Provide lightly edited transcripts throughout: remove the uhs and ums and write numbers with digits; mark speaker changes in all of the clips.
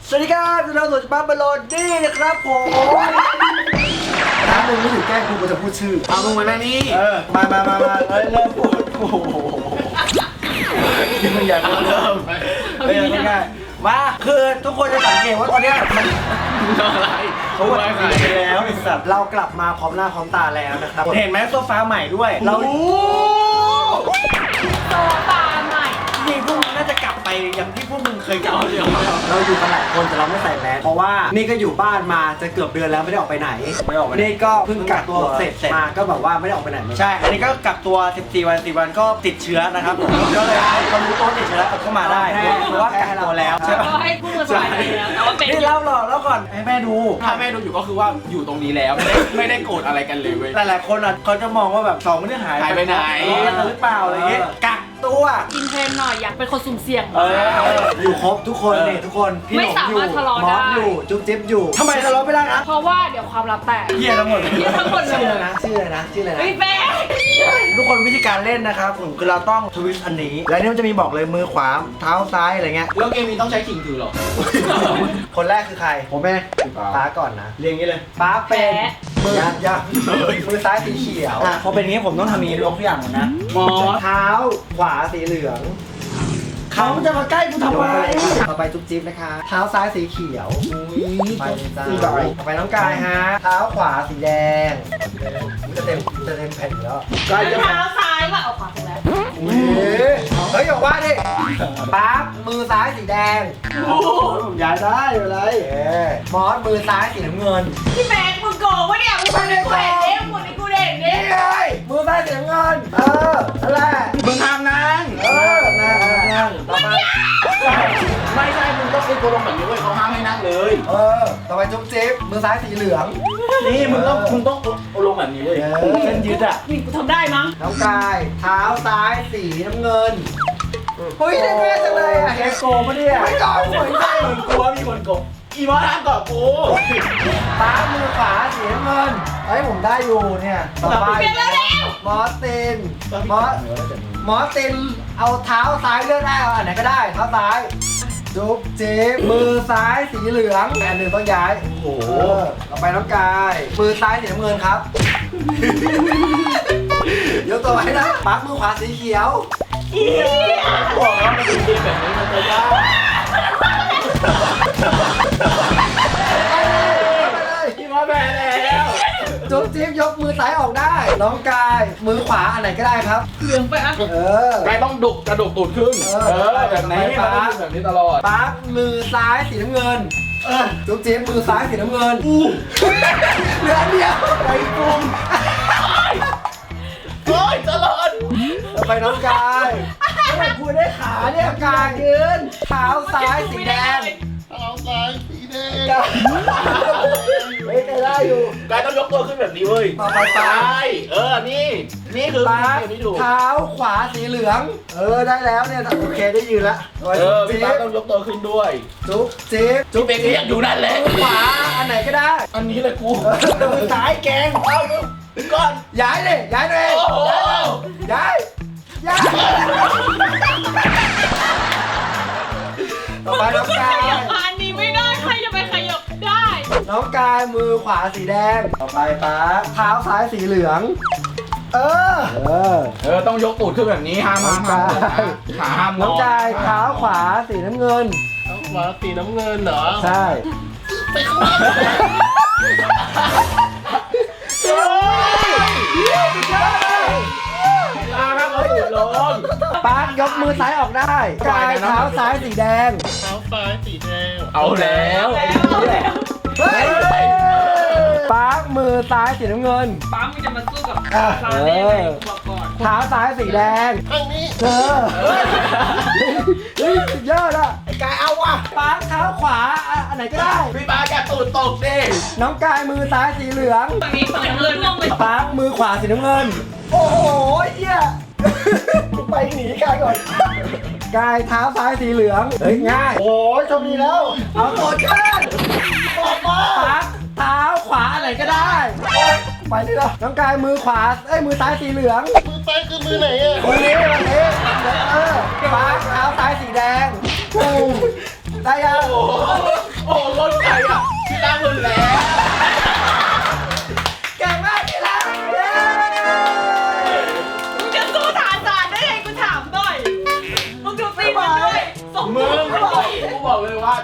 Speaker 1: สวัสดีครับเราสุดบ้าบอลลนี่นะครับผมถ้ามึงไม่ถึงแกล้งกูจะพูดชื่อ
Speaker 2: เอามึงมาหน้านี่
Speaker 1: มาเริ่มพูดโอ้โหมึงอยากเริ่มง่ายมาคือทุกคนจะสังเกตว่าตอนนี้มัน
Speaker 2: อะไร
Speaker 1: เขาวันนี้ไปแล้วไอ้สัตว์เรากลับมาพร้อมหน้าพร้อมตาแล้วนะครับเห็นไหมโซฟาใหม่ด้วยเรา
Speaker 3: โซฟาใหม่
Speaker 1: นี่พวกมึงน่าจะกลับไปอย่างที่พวกมึงเคยกลับเราอยู่กันหลายคนแต่เราไม่ใส่แมสเพราะว่านี่ก็อยู่บ้านมาจะเกือบเดือนแล้วไม่ได้ออกไปไหนนี่ก็เพิ่งกักตัวเสร็จมาก็แบบว่าไม่ได้ออกไปไหนใช่อันนี้ก็กักตัว14 วัน10 วันก็ติดเชื้อนะครับก็เลยเขารู้ตัวติดเชื้อแล้วก็มาได้เพราะว่ากักตัวแล้วใช่ไหม
Speaker 3: ให้พูดมาสบายใจแล้วแต่ว่าเป็น
Speaker 1: นี่เล่าหรอแล้วก่อนให้แม่ดู
Speaker 2: ถ้าแม่ดูอยู่ก็คือว่าอยู่ตรงนี้แล้วไม่ได้โกรธอะไรกันเลยเว้ย
Speaker 1: หลายๆคนเขาจะมองว่าแบบสองไม่ได้หาย
Speaker 2: ไปไหน
Speaker 1: หรือเปล่าอะไรเงี้ยกักตัว
Speaker 3: กินเทรนหน่อยอยากเป็นคนสุ่มเสี่ยง
Speaker 1: อยู่ครบทุกคนนี่ทุกคนพี่หนุ่มอยู่มอสอยู่จุ๊บจิ๊บอยู่ทำไมทะเลาะไม่ได้ครับ
Speaker 3: เพราะว่าเดี๋ยวความลับแตก
Speaker 1: เหี้ยทั้งหมด
Speaker 3: เลย
Speaker 1: ชื่ออะไรนะ
Speaker 3: ไม่แป๊
Speaker 1: ทุกคนวิธีการเล่นนะครับผมคือเราต้องทวิสต์อันนี้แล้วนี่มันจะมีบอกเลยมือขวาเท้าซ้ายอะไรเงี้ย
Speaker 2: แล้วเกมนี้ต้องใช้ขิงถือหรอ
Speaker 1: คนแรกคือใครผมเองป้าก่อนนะเรียงนี้เลยป้าเป็นมือซ้ายสีเขียวพอเป็นงี้ผมต้องทำนี้ลงทุกอย่างหมดนะเท้าขวาสีเหลืองเขาจะมาใกล้กูทำไมต่อไปจุ๊บจิ๊บนะคะเท้าซ้ายสีเขียวไปจ้าต่อไปน้องกายฮะเท้าขวาสีแดงจะเต็มแผ่นแล้ว
Speaker 3: เท้าซ้ายว่าเอาขวาถูกแล้ว
Speaker 1: เฮ้ยบอกว่าดิปั๊บมือซ้ายสีแดงผมย้ายได้อะไรมอสมือซ้ายสีน้ำเงิน
Speaker 3: พี่แม็กมึงโกงวะเนี่ยมึงเป็นกูเห็นเนี่ยมึงกูเด่นเนี่ย
Speaker 1: มือซ้ายสีน้ำเงินนั่นแหละ
Speaker 2: มึงทำนั่ง
Speaker 1: นั่งต่อไป
Speaker 2: ไม่ใช่มึงต้องเป็นตัวลงแบบนี้เว้ยเขาห้ามให้นั่งเลย
Speaker 1: ต่อไปจุ๊บจิ๊บมือซ้ายสีเหลือง
Speaker 2: นี่มึงต้องลงแบบนี้เลย
Speaker 1: เส้นยืดอ่ะ
Speaker 3: นี่กูทำได้มั้ง
Speaker 1: น้องกายเท้าซ้ายสีน้ำเงินเฮ้ยได้แน่จังเลยอ่ะแกโกปะเนี่ยไม่ก่อนเหมือนกัน
Speaker 2: กลัวมีคนโกงอีมอสทำก่อนกู
Speaker 1: ป้ามือขวาสีน้ำเงินเฮ้ยผมได้อยู่เนี่ยต่อไปมอสตินเอาเท้าซ้ายเลือกได้เอาอันไหนก็ได้เท้าซ้ายจุ๊บจิ๊บมือซ้ายสีเหลืองอันหนึ่งต้องย้ายโอ้โหต่อไปน้องกายมือซ้ายสีน้ำเงินครับยกตัวไว้นะปั๊บมือขวาสีเขียว
Speaker 2: บอกแล้วมันเป็นเกมแบบนี้มันจะยากพี่มาแพ้แล้ว
Speaker 1: จุ๊บจิ๊บยกมือซ้ายออกได้น้องกายมือขวาอันไหนก็ได้ครับ
Speaker 3: เหลืองไปอ่ะ
Speaker 2: กายต้องกระดกตูดขึ้นแบบนี้มันต้องแบบนี้ตลอด
Speaker 1: ปั๊บมือซ้ายสีน้ำเงินจุ๊บจิ๊บมือซ้ายสีน้ำเงินเหลือเดียวไปกุม
Speaker 2: โอ้ยตลอด
Speaker 1: ไปน้องกายไม่พูดได้ขาเนี่ยกายยืนเท้าซ้ายสีแดง
Speaker 2: เอาซ้ายสีแดง
Speaker 1: ไม่ได้อยู่
Speaker 2: กายต้องยกตัวขึ้นแบบนี้เว้ย
Speaker 1: ต่อไปซ้าย
Speaker 2: นี่คือ
Speaker 1: เท้าขวาสีเหลืองได้แล้วเนี่ยโอเคได้ยืนละ
Speaker 2: พี่ตาต้องยกตัวขึ้นด้วย
Speaker 1: จุ๊บจิ๊บ
Speaker 2: จุ๊บเองก็ยังอยู่นั่นแหละ
Speaker 1: ขวาอันไหนก็ได้
Speaker 2: อันนี้เลยกู
Speaker 1: มือซ้ายแกงเอา
Speaker 2: ก่อน
Speaker 1: ย้ายเลยย้ายเลยย้ายต่อไปน้องกาย
Speaker 3: อันนี้ไม่ได้ใครจะไปขยับได้
Speaker 1: น้องกายมือขวาสีแดงต่อไปป้าเท้าซ้ายสีเหลือง
Speaker 2: ต้องยกตูดขึ้นแบบนี้ห้าม
Speaker 1: น้องกายเท้าขวาสีน้ำเงิน
Speaker 2: เท้าขวาสีน้ำเงินเหรอ
Speaker 1: ใช่
Speaker 2: ไปข้างหลัง
Speaker 1: ป้ายกมือซ้ายออกได้กายเท้าซ้ายสีแดง
Speaker 2: เอาแล้ว
Speaker 1: ป้ามือซ้ายสีน้ำเงิน
Speaker 3: ป้ามึงจะมาสู้กับซาเล่ไหมบอกก่อน
Speaker 1: เท้าซ้ายสีแดง
Speaker 2: ข้างนี้
Speaker 1: เยอะละไอ้กายเอาว่ะป้าเท้าขวาอันไหนก็ได้
Speaker 2: พี่ป้าแกตูดตกดิ
Speaker 1: น้องกายมือซ้ายสีเหลือง
Speaker 3: ฝั่งนี้ฝั่งเงินลงไป
Speaker 1: ป้ามือขวาสีน้ำเงินโอ้โหเหี้ยไปหนีกายก่อนกายเท้าซ้ายสีเหลืองเฮ้ยง่ายโอ้ยโชคดีแล้วเอาตัวเชิญออกมาปั๊บเท้าขวาอะไรก็ได้ไปดิล่ะน้องกายมือขวามือซ้ายสีเหลือง
Speaker 2: มือซ้ายคือมือไหนอ่ะ
Speaker 1: มือนี้ปั๊บเท้าซ้ายสีแดงได้ยัง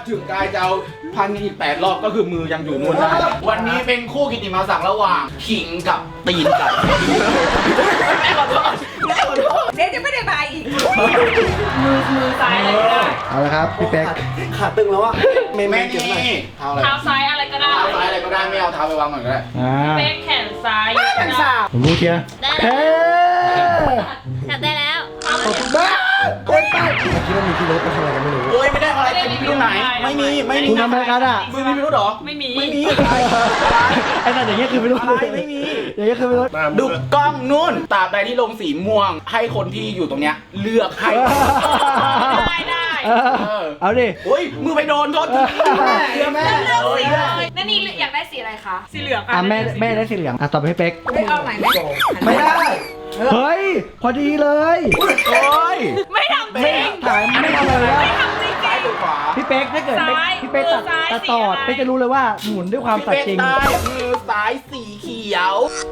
Speaker 2: ถึงกายจะเอาพันอีก8 รอบก็คือมือยังอยู่นู่นได้วันนี้เป็นคู่กิตติมศักดิ์ระหว่างขิงกับตีนไก่แม่ขอโทษแม่ขอโทษ
Speaker 3: เดี๋ยวจะไม่ได้มาอีกมือซ้ายอะไรก็ได้
Speaker 1: เอาละครับพี่เป๊กขาตึงแล้วอ่ะ
Speaker 2: แม่นี่เท้าอะไร
Speaker 3: เท้าซ้ายอะไรก็ได้
Speaker 2: เท้าซ้ายอะไรก็ได้ไม่เอาเท้าไปวางก่อนก็ได้
Speaker 3: เป๊กแขนซ้าย
Speaker 1: แข่งสาผมรู้เชียร์เฮ้
Speaker 4: จับได้แล้ว
Speaker 1: ขอบคุณมากเป๊กไปคิดว่ามีพี่รถมาทำอะไรกันไม่รู้
Speaker 2: โอ้ยไม่ได้อะไรเป็นพิรุธไหนไม่มี
Speaker 1: คุณทำอะไรกันอ่ะ
Speaker 2: มึงมีพิรุธเหรอ
Speaker 3: ไม่มี
Speaker 2: ไม่มี
Speaker 1: ไอ้นั่นอย่างเงี้ยคือไม่รู้
Speaker 2: อะไรไม่มี
Speaker 1: อย่างเงี้ยคือไม่รู้
Speaker 2: ดูกล้องนู่นตราบใดที่ลงสีม่วง ให้คนที่อยู่ตรงเนี้ยเลือกให้
Speaker 3: ได้
Speaker 1: เอาดิ
Speaker 2: โอ้ยมือไปโดนโทษทีเชื่อแม่
Speaker 3: เลือกสีเลยนั่นนี่อยากได้สีอะไรคะสีเหลือง
Speaker 1: อ่ะแม่ได้สีเหลืองอ่ะต่อไปให้เป๊ก
Speaker 3: ไม่เอาไหนไหม
Speaker 1: ไม่ได้เฮ้ยพอดีเลย
Speaker 2: โอ้ย
Speaker 3: ไม่ทำจริง
Speaker 1: ถ่ายไม่ทำอะไรแล้ว
Speaker 3: ไม่ทำจริง
Speaker 2: ซ้ายหรือขวา
Speaker 1: พี่เป๊กถ้าเกิด
Speaker 3: ซ้าย
Speaker 1: พี่เป๊กตัด
Speaker 3: มือซ้าย
Speaker 1: ตัดต่อ
Speaker 3: สีอะไร
Speaker 1: เป๊กจะรู้เลยว่าหมุนด้วยความ
Speaker 2: พี่
Speaker 1: สัต
Speaker 2: เป็
Speaker 1: ย์
Speaker 2: ก
Speaker 1: จริง
Speaker 2: ได้มือซ้ายสีเขียว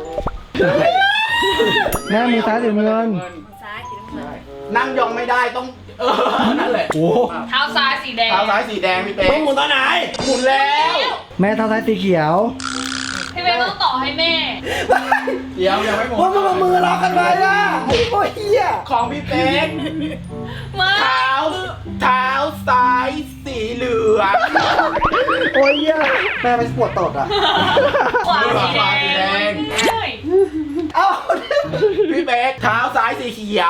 Speaker 1: แม่มือซ้ายสีเงิน
Speaker 3: ซ้ายสีน้ำเงิน
Speaker 2: นั่งยองไม่ได้ต้องนั่นแหละ
Speaker 1: โอ้
Speaker 3: เท้าซ้ายสีแดง
Speaker 2: เท้าซ้ายสีแดงพี่เป๊กหมุนตอนไหนหมุนแล้ว
Speaker 1: แม่เท้าซ้ายสีเขียว
Speaker 3: พี่เป๊กต้องต่อให้แม่
Speaker 2: เดี๋ยวยังไม่หมด
Speaker 1: ว่ามันมือล็อกกันไปอ่ะโอ้ยเฮีย
Speaker 2: ของพี่เป๊ก
Speaker 3: มา
Speaker 2: เท้าซ้ายสีเหลือง
Speaker 1: โอ้ยเฮียแม่ไปปวดตดอ่ะ
Speaker 3: ขวาสีแดง
Speaker 1: เอ้า
Speaker 2: พี่เป๊กเท้าซ้ายสีเขียว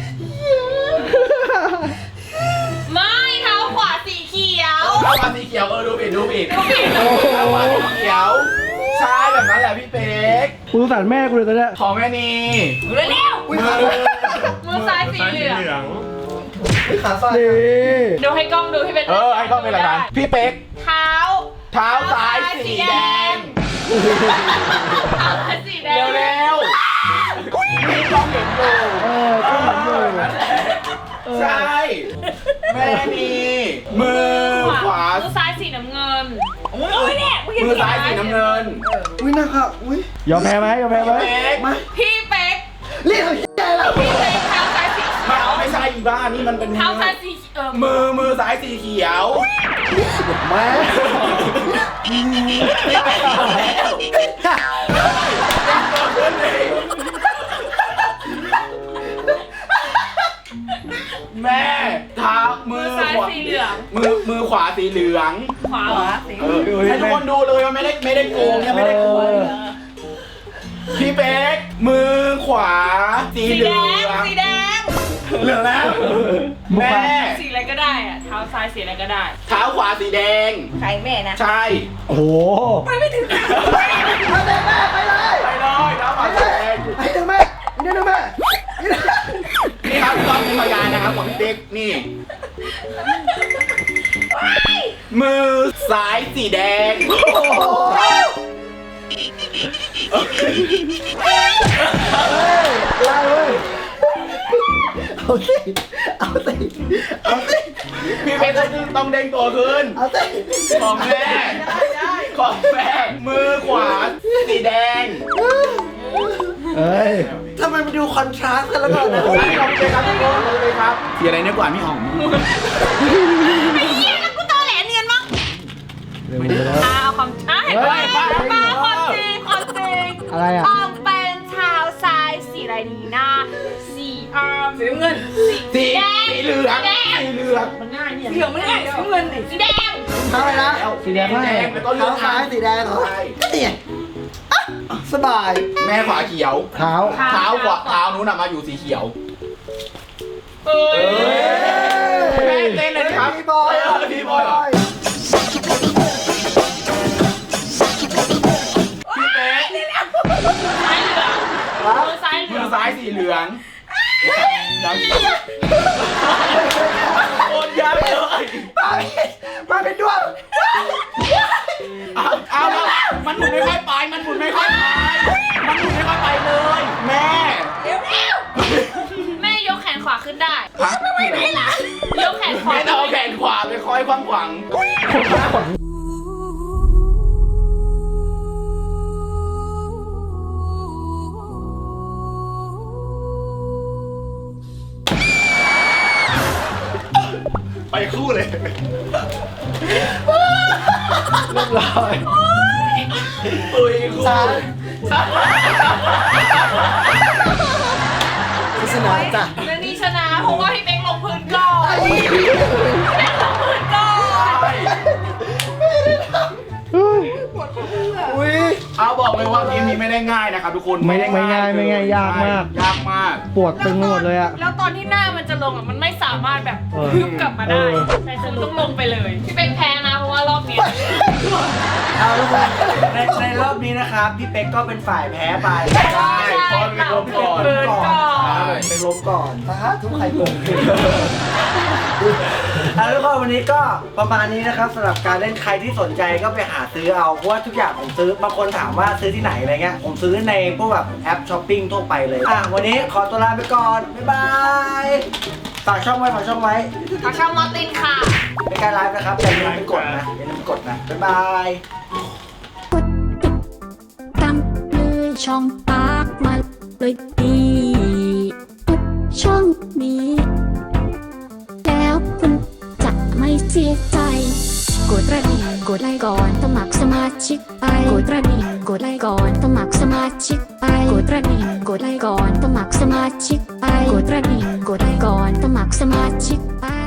Speaker 3: ไม่เท้าขวาสีเขียว
Speaker 2: เท้าขวาสีเขียวดูผิดเท้าขวาสีเขียวใช่แบบนั้นแหละพี่เป๊ก
Speaker 1: กูสงสารแม่กูเลยตอนเนี้ย
Speaker 2: ของแม่นี
Speaker 3: เร็ว
Speaker 2: มือ
Speaker 3: มือซ้ายสีเหลือง
Speaker 1: ขาสั้นดิ
Speaker 3: ดูให้กล้องดูพี่เป็น
Speaker 2: ไอ้ก็เป็นอะไรกันพี่เป๊ก
Speaker 3: เท้า
Speaker 2: เท้าซ้ายสีแดง
Speaker 3: เท้าซ้ายสีแดง
Speaker 2: เร็วๆนี่กล้องเห็นอยู่
Speaker 1: ก็เหมือนอยู่
Speaker 2: ใช่แม่นีมือขวา
Speaker 3: มือซ้ายสีน้ำเงินโอ้ยเนี่ย
Speaker 2: มือซ้ายสีน้ำเงิน
Speaker 1: อุ้ยนะครับอุ้ยยอมแพ้ไหมยอมแพ้ไหม
Speaker 2: พี่เป๊ก
Speaker 3: พี่เป๊ก
Speaker 1: เรียกเขาเฮียแล้ว
Speaker 3: พี่เป๊กเท้าซ้ายสีเขียว
Speaker 2: ไม่ใช่อีบ้านี่มันเป็น
Speaker 3: เท้าซ้ายสี
Speaker 2: มือซ้ายสีเขียว
Speaker 1: แม่
Speaker 2: แม่เท้ามื
Speaker 3: มื
Speaker 2: อ
Speaker 3: อซ้าย
Speaker 2: ขวา
Speaker 3: สีเหลือง
Speaker 2: มือขวาสีเหลือง
Speaker 3: ขวาสี
Speaker 2: ให้ทุกคนดูเลยว่าไม่ได้โกงเนี่ยไม่ได้โกงพี่เป๊กมือขวาสีเห
Speaker 3: แด
Speaker 2: ลือง
Speaker 3: สีแดง
Speaker 2: เหลืองแล้วแม่
Speaker 3: สีอะไรก็ได้อะเท้าซ้ายสีอะไรก็ได้
Speaker 2: เท้าขวาสีแดง
Speaker 3: ใครแม่นะ
Speaker 2: ใช่
Speaker 1: โอ้โห
Speaker 3: ไปไม่ถึง
Speaker 1: เอาเลยแม่ไปเลย
Speaker 2: ไปเลยเท้าขวาสีแดง
Speaker 1: ไอ้เดี๋ยวแม่เดี๋ยวแม่
Speaker 2: นี่ครับต้องเป็นพยานนะครับของพี่เป๊กนี่มือซ้ายสีแดง
Speaker 1: ไล่เว้ยเอาสิเอาสิเอาสิ
Speaker 2: พี่เป๊กต้องเด้งตัวขึ้น
Speaker 1: เอาสิ
Speaker 2: ของแม่ของแม่มือขวาสีแดง
Speaker 1: เฮ้ยทำไมมันดูคอนทราสต์กันแล้วก่อนนะ
Speaker 2: ลองเลยครับทุกคนลองเลยครับสีอะไรเนี่ยกว่าพี่หอม
Speaker 3: ไอ้เหี้ยแล้วกูตอแหลเนียนมั้ง
Speaker 1: เร็วๆแล้ว
Speaker 3: เอาความเห็นไหมมาความจริงความจริง
Speaker 1: อะไรอ่ะ
Speaker 3: ออมเป็นเท้าซ้ายสีอะไรดีนะสีสีน้ำเงิน
Speaker 2: สีเหลืองสีเหลือง
Speaker 3: เหลืองไม่ได้สีน้ำเงินสีแดง
Speaker 1: เท้าอะไรนะสีแดง
Speaker 2: แดงแล้วก็เหลื
Speaker 1: เท้า
Speaker 2: อง
Speaker 1: ซ้ายสีแดงเหรอเนี่ยสบาย
Speaker 2: แม่ขวาเขียว
Speaker 1: เท้า
Speaker 2: เท้าขวาเท้านู้นมาอยู่สีเขียว
Speaker 3: เอ้ย
Speaker 2: แม่เต้นเลยนะครับ
Speaker 1: พี่บอย
Speaker 2: พี่บอยเหรอพี่เป๊ก
Speaker 3: ซ้ายเหลืองมือซ้ายเหลื
Speaker 2: มื
Speaker 3: อ
Speaker 2: อง ซ้ายสีเหลืองโคตรยากเลย
Speaker 1: มาเป็นดวง
Speaker 2: เอาแล้วมันหมุนไม่ค่อยไปมันหมุนไม่ค่อยไปมันหมุนไม่ค่อยไปเลย แม่
Speaker 3: แม่ยกแขนขวาขึ้นได้
Speaker 2: พักไม่ได้
Speaker 3: ยกแขนขวา
Speaker 2: แม่ต้องเอาแขนขวาไปคอยขวางขวาง
Speaker 1: เเรียบร้อย
Speaker 2: อุ้ยครู
Speaker 1: ชนะจ้ะ
Speaker 3: เรื่องนี้ชนะเพราะว่าพี่เป๊กลงพื้นก่อนพี่เป๊กลงพื้นก่อน
Speaker 1: อุ้ย
Speaker 2: เอาบอกเลยว่าทีมนี้ไม่ได้ง่ายนะครับทุกคน
Speaker 1: ไม่ง่ายไม่ง่ายยากมาก
Speaker 2: ยากมาก
Speaker 1: ปวดตึงไปหมดเลยอะ
Speaker 3: แล้วตอนที่หน้ามันจะลงอ่ะมันไม่สามารถแบบ
Speaker 1: เออ
Speaker 3: พึบกลับมาได้
Speaker 1: เออ
Speaker 3: แต่คุณต้องลงไปเลยพี่เป๊กแพ้นะเพราะว่ารอบนี้
Speaker 1: เอาทุกคนในรอบนี้นะครับ พี่เป๊กก็เป็นฝ่ายแพ้ไป
Speaker 2: ใช่เพราะมันเป็นลมก่อน
Speaker 3: เปิดก่อน
Speaker 2: ใช่
Speaker 1: เป็นลมก่อนสาธุใครเปิดเอาทุกคนวันนี้ก็ประมาณนี้นะครับสำหรับการเล่นใครที่สนใจก็ไปหาซื้อเอาเพราะว่าทุกอย่างผมซื้อบางคนถามว่าซื้อที่ไหนอะไรเงี้ยผมซื้อในพวกแบบแอปช้อปปิ้งทั่วไปเลยวันนี้ขอตัวลาไปก่อนบ๊ายบายฝากช่องไว้ฝากช่องไว้
Speaker 3: ขอช่องมอตินค่ะ
Speaker 1: เป็นการไลฟ์นะครับอย่าลืมไปกดนะอย่าลืมกดนะบ๊ายบาย
Speaker 5: กดติดตามเลยช่องปากมาเลยดีทุกช่องนี้ แล้วคุณจะไม่เสียใจ กดกระดิ่งกดไลค์ก่อนสมัครสมาชิกไปกดกระดิ่งกดไลค์ก่อนสมัครสมาชิกไปกดกระดิ่งกดไลค์ก่อนสมัครสมาชิกไปกดกระดิ่งกดไลค์ก่อนสมัครสมาชิกไป